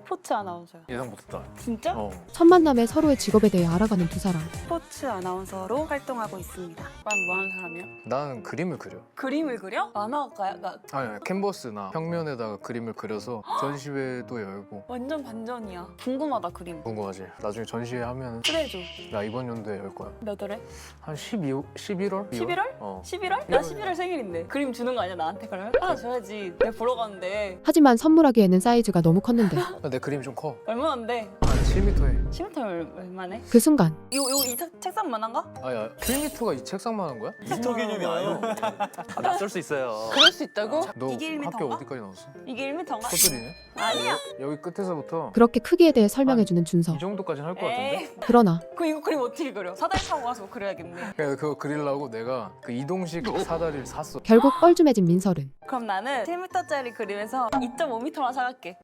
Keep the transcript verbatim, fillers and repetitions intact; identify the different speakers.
Speaker 1: 스포츠 아나운서요.
Speaker 2: 예상 못했다.
Speaker 1: 진짜?
Speaker 2: 어.
Speaker 3: 첫 만남에 서로의 직업에 대해 알아가는 두 사람.
Speaker 1: 스포츠 아나운서로 활동하고 있습니다. 난 뭐 하는 사람이야?
Speaker 2: 나는 그림을 그려.
Speaker 1: 그림을 그려? 만화가야? 나
Speaker 2: 아니, 아니 캔버스나 평면에다가 그림을 그려서 전시회도 열고.
Speaker 1: 완전 반전이야. 궁금하다 그림.
Speaker 2: 궁금하지? 나중에 전시회 하면
Speaker 1: 그래줘.
Speaker 2: 나 이번 연도에 열 거야.
Speaker 1: 몇 월에?
Speaker 2: 한 십이, 십일월?
Speaker 1: 십일월?
Speaker 2: 어.
Speaker 1: 십일월? 나 십일월 생일인데. 그림 주는 거 아니야 나한테 그러면? 하나 줘야지. 내가 보러 가는데.
Speaker 3: 하지만 선물하기에는 사이즈가 너무 컸는데
Speaker 2: 내 그림이 좀 커.
Speaker 1: 얼마인데?
Speaker 2: 한 칠 미터에.
Speaker 1: 십 미터 얼마네?
Speaker 3: 그 순간
Speaker 1: 이거 이거 이 책- 책상만한가?
Speaker 2: 아야, 칠 미터가 이 책상만 한 거야?
Speaker 4: 미터 개념이 아니에요. 아, 낯설 수 있어요.
Speaker 1: 그럴 수 있다고?
Speaker 2: 너
Speaker 1: 이게 일
Speaker 2: 학교
Speaker 1: 미터인가?
Speaker 2: 어디까지 나왔어?
Speaker 1: 이게 일 미터인가?
Speaker 2: 코뜰이네?
Speaker 1: 아니야.
Speaker 2: 여기 끝에서부터
Speaker 3: 그렇게 크기에 대해 설명해주는 준서.
Speaker 2: 이 정도까지는 할 것 같은데?
Speaker 1: 에이.
Speaker 3: 그러나
Speaker 1: 그 이거 그림 어떻게 그려? 사다리 타고 가서 그려야겠네.
Speaker 2: 그래서 그거 그리려고 내가 그 이동식 사다리를 샀어.
Speaker 3: 결국 뻘쭘해진 민설은
Speaker 1: 그럼 나는 칠 미터짜리 그림에서 이 점 오 미터만 사갈게.